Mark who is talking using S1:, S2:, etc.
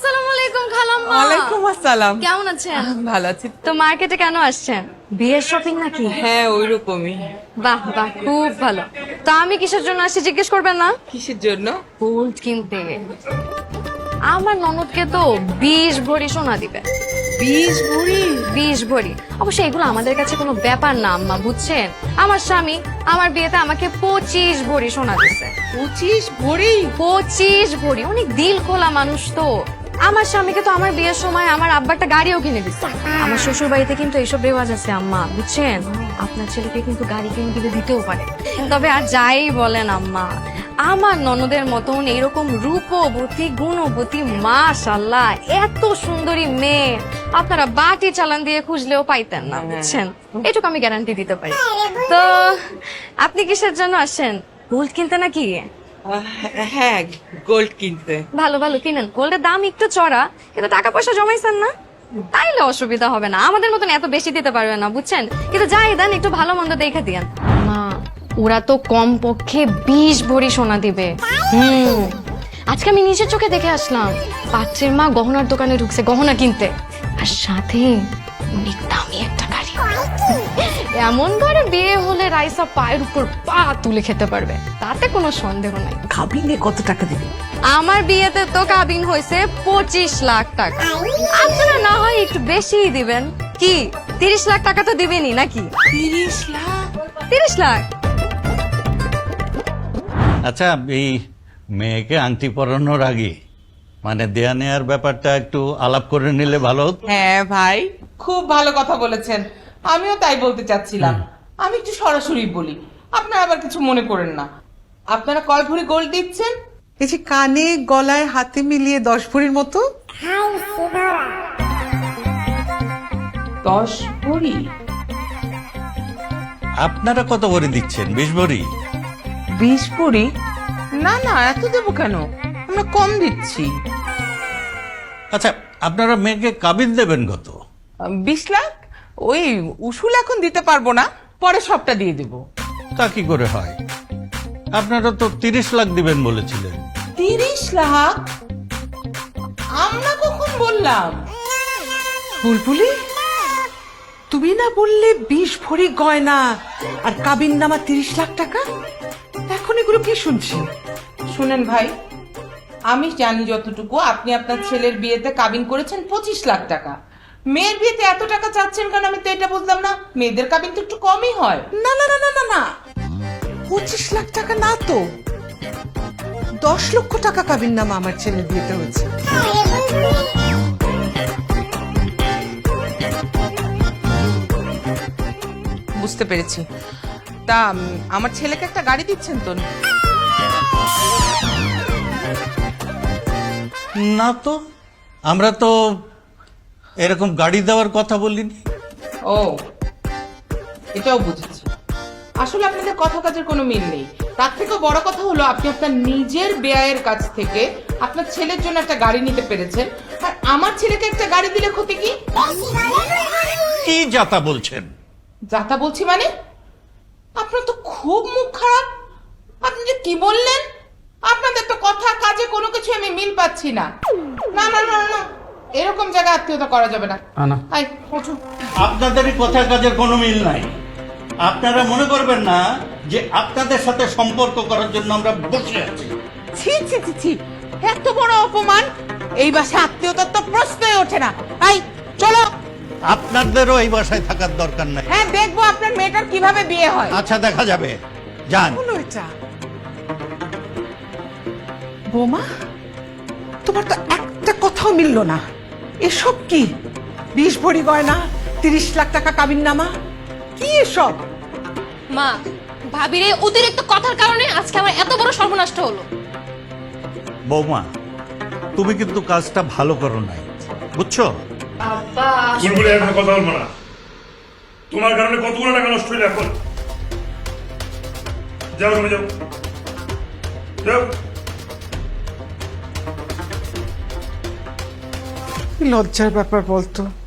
S1: আসসালামু আলাইকুম খালাম্মা।
S2: ওয়ালাইকুম আসসালাম।
S1: কেমন আছেন?
S2: ভালো আছি।
S1: তো মার্কেটে কেন আসছেন? বিয়ের শপিং নাকি?
S2: হ্যাঁ ওইরকমই।
S1: বাহ বাহ, খুব ভালো। তো আমি কিসের জন্য আসছি জিজ্ঞেস করবেন না?
S2: কিসের জন্য?
S1: গোল্ড কিনতে। আমার ননদকে তো 20 ভরি সোনা দিবে।
S2: 20 ভরি?
S1: 20 ভরি। অবশ্য এগুলো আমাদের কাছে কোনো ব্যাপার না আম্মা, বুঝছেন? আমার স্বামী আমার বিয়েতে আমাকে 25 ভরি সোনা দিছে।
S2: 25 ভরি?
S1: 25 ভরি। অনেক দিল খোলা মানুষ তো। আমার স্বামীকে তো আমার বিয়ের সময় আমার আব্বা একটা গাড়িও কিনে দিচ্ছে। আমার শ্বশুর বাড়িতে কিন্তু এইসব রেওয়াজ আছে আম্মা, বুঝছেন? আপনার ছেলেকে কিন্তু গাড়ি কিনে দিলে দিতেও পারে। তবে আর যাই বলেন আম্মা, আমার ননদের মতন এরকম রূপবতী গুণবতী মাশাআল্লাহ এত সুন্দরী মেয়ে আপনারা বাটি চালান দিয়ে খুঁজলেও পাইতেন না, বুঝছেন? এটুকু আমি গ্যারান্টি দিতে পারি। তো আপনি কিসের জন্য আসেন? গোল্ড কিনতে নাকি?
S2: হ্যাঁ গোল্ড কিনতে।
S1: ভালো ভালো কিনেন। গোল্ডের দাম একটু চড়া, কিন্তু টাকা পয়সা জমাইছেন না, তাইলে অসুবিধা হবে না। আমাদের মতন এত বেশি দিতে পারবে না, বুঝছেন? কিন্তু যাই দেন একটু ভালো মন্দ দেখে দিয়েন। মা, ওরা তো কম পক্ষে 20 ভরি সোনা দিবে। আজকে আমি নিজের চোখে দেখে আসলাম। পাত্রের মা গহনার দোকানে ঢুকছে গহনা কিনতে, আর সাথে অনেক দামি একটা গাড়ি। এমন ঘরে বিয়ে হলে রাইসা পায়ের উপর পা তুলে খেতে পারবে, তাতে কোনো সন্দেহ নাই।
S2: কাবিনে কত টাকা দিবে?
S1: আমার বিয়েতে তো কাবিন হয়েছে 25 লাখ টাকা। আপনারা না হয় একটু বেশিই দিবেন। কি 30 লাখ টাকা তো দিবেনই নাকি?
S2: 30 লাখ?
S1: 30 লাখ?
S3: আচ্ছা, এই মেয়েকে আংটি পরানোর আগে মানে দেয়া নেয়ার ব্যাপারটা একটু আলাপ করে নিলে ভালো হতো।
S2: হ্যাঁ ভাই, খুব ভালো কথা বলেছেন। আমিও তাই বলতে চাচ্ছিলাম। আমি একটু সরাসরি বলি, আপনারা আবার কিছু মনে করেন না। আপনারা কয় ভরি গোল্ড দিচ্ছেন?
S4: এই যে কানে গলায় হাতে মিলিয়ে 10 ভরির মতো।
S2: 10 ভরি?
S3: আপনারা কত ভরি দিচ্ছেন? 20 ভরি?
S2: 20 ভরি? না না, এত দেবো কেন? আমরা কম দিচ্ছি।
S3: আচ্ছা, আপনারা মেয়েকে কাবিন দেবেন কত?
S2: 20 লাখ? ওই উসুল এখন দিতে পারবো না, পরে সবটা দিয়ে দেব।
S3: তা কি করে হয়? আপনারা তো 30 লাখ দিবেন বলেছিলেন।
S2: 30 লাখ? আমরা কখন বললাম?
S4: বুলবুলি, তুমি না বললে 20 ভরি গয়না আর কাবিন নামা 30 লাখ টাকা? এখন এগুলো কি শুনছি?
S2: শুনেন ভাই, আমি জানি যতটুকু, আপনি আপনার ছেলের বিয়েতে কাবিন করেছেন 25 লাখ টাকা। মেয়ের বিয়েতে এত টাকা চাচ্ছেন কেন আমি তো এটা বুঝলাম না। মেয়েদের কাবিন তো একটু কমই হয়।
S4: না না না না না না, 25 লাখ টাকা না তো, 10 লক্ষ টাকা কাবিন নামা আমার ছেলের বিয়েতে হয়েছে।
S2: বুঝতে পেরেছি। তা আমার ছেলেকে একটা গাড়ি দিচ্ছেন তো?
S3: না তো, আমরা তো এরকম গাড়ি দেওয়ার কথা বলিনি।
S2: ও, এটাও বুঝেছি। আসলে আপনাদের কথা কাজের কোনো মিল নেই। তার থেকেও বড় কথা হলো, আপনি আপনার নিজের ব্যয়ের কাছ থেকে আপনার ছেলের জন্য একটা গাড়ি নিতে পেরেছেন, আর আমার ছেলেকে একটা গাড়ি দিলে ক্ষতি কি?
S3: কি যাতা বলছেন?
S2: যাতা বলছি মানে? আপনার তো খুব মুখ খারাপ। আপনি যে কি বললেন? আপনাদের তো কথা কাজে কোনো কিছু আমি মিল পাচ্ছি না। না না না না, এরকম জায়গায় আত্মীয়তা করা যাবে না। আই, ওঠো।
S3: আপনাদেরই কথা কাজের কোনো মিল নাই। আপনারা মনে করবেন না যে আপনাদের সাথে সম্পর্ক করার জন্য আমরা বসে আছি।
S2: ছি ছি ছি ছি, এত বড় অপমান! এই বাসায় আত্মীয়তার তো প্রশ্নই ওঠে না। আই, চলো।
S3: আপনাদেরও এই বাসায় থাকার দরকার নাই।
S2: হ্যাঁ, দেখবো আপনার মেয়েটার কিভাবে বিয়ে হয়।
S3: আচ্ছা, দেখা যাবে। যান।
S4: হলো এটা? বোমা, তোমার তো একটা কথাও মিললো না। এসব কি? 20 ভরি গয়না, 30 লাখ টাকা কাবিন নামা, কি এসব?
S1: মা, ভাবির এই অতিরিক্ত কথার কারণে আজকে আমার এত বড় সর্বনাশ হলো।
S3: বৌমা, তুমি কিন্তু কাজটা ভালো করো নাই, বুঝছো?
S5: বুলবুলি, এখন কথা বলবো না। তোমার কারণে কতগুলো টাকা নষ্ট হইলো এখন। যাও তুমি, যাও যাও।
S4: লজ্জার ব্যাপার বলতো।